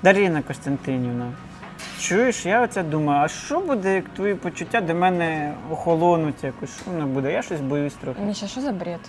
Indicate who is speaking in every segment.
Speaker 1: Дарина Костянтинівна, чуєш, я оце думаю, а що буде, як твої почуття до мене охолонуть якось? Що воно буде? Я щось боюсь трохи.
Speaker 2: Міша, що за бред?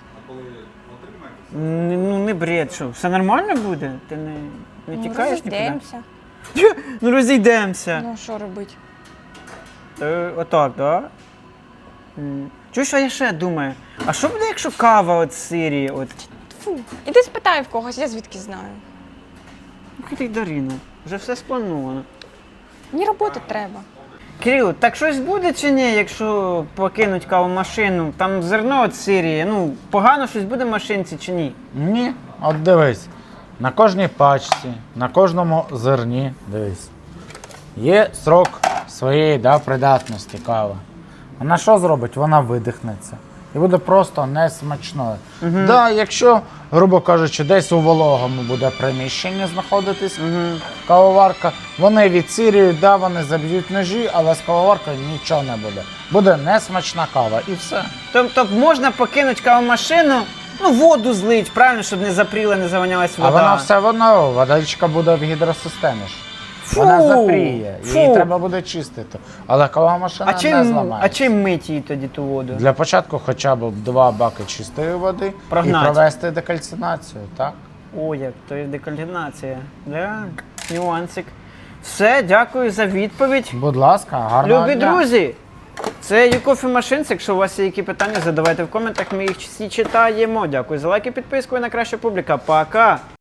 Speaker 1: Ну не бред, що, все нормально буде? Ти не тікаєш нікуди?
Speaker 2: Розійдемося.
Speaker 1: Ну розійдемося.
Speaker 2: Ну, що робити?
Speaker 1: Отак, так? Да? Чуєш, а я ще думаю, а що буде, якщо кава от з Сирії? От?
Speaker 2: Фу. Іди спитай в когось, я звідки знаю.
Speaker 1: Ну, ти Дарина, вже все сплановано.
Speaker 2: Мені роботи треба.
Speaker 1: Кирил, так щось буде чи ні, якщо покинуть кавомашину? Там зерно від Сирії, ну, погано щось буде в машинці чи ні?
Speaker 3: Ні, от дивись, на кожній пачці, на кожному зерні, дивись, є срок своєї придатності кави. Вона що зробить? Вона видихнеться. І буде просто несмачною. Да, якщо, грубо кажучи, десь у вологому буде приміщенні знаходитись кавоварка, вони відсирюють, да, вони заб'ють ножі, але з кавоваркою нічого не буде. Буде несмачна кава і все.
Speaker 1: Тобто можна покинути кавомашину, ну, воду злить, правильно, щоб не запріла, не завонялась вода.
Speaker 3: А вона все одно, водичка буде в гідросистемі ж.
Speaker 1: Фу,
Speaker 3: Вона запріє, її
Speaker 1: фу.
Speaker 3: треба буде чистити. Але кава машина не
Speaker 1: А
Speaker 3: зламається.
Speaker 1: чим мить її тоді ту воду?
Speaker 3: Для початку хоча б 2 баки чистої води
Speaker 1: Прогнать.
Speaker 3: і провести декальцинацію, так?
Speaker 1: О, як, то є декальцинація. Да? Нюансик. Все, дякую за відповідь.
Speaker 3: Будь ласка, гарного
Speaker 1: Любі
Speaker 3: дня.
Speaker 1: друзі, це YouCoffee Machines. Якщо у вас є які питання, задавайте в коментах, ми їх всі читаємо. Дякую за лайки, підписку і на краща публіка. Пока!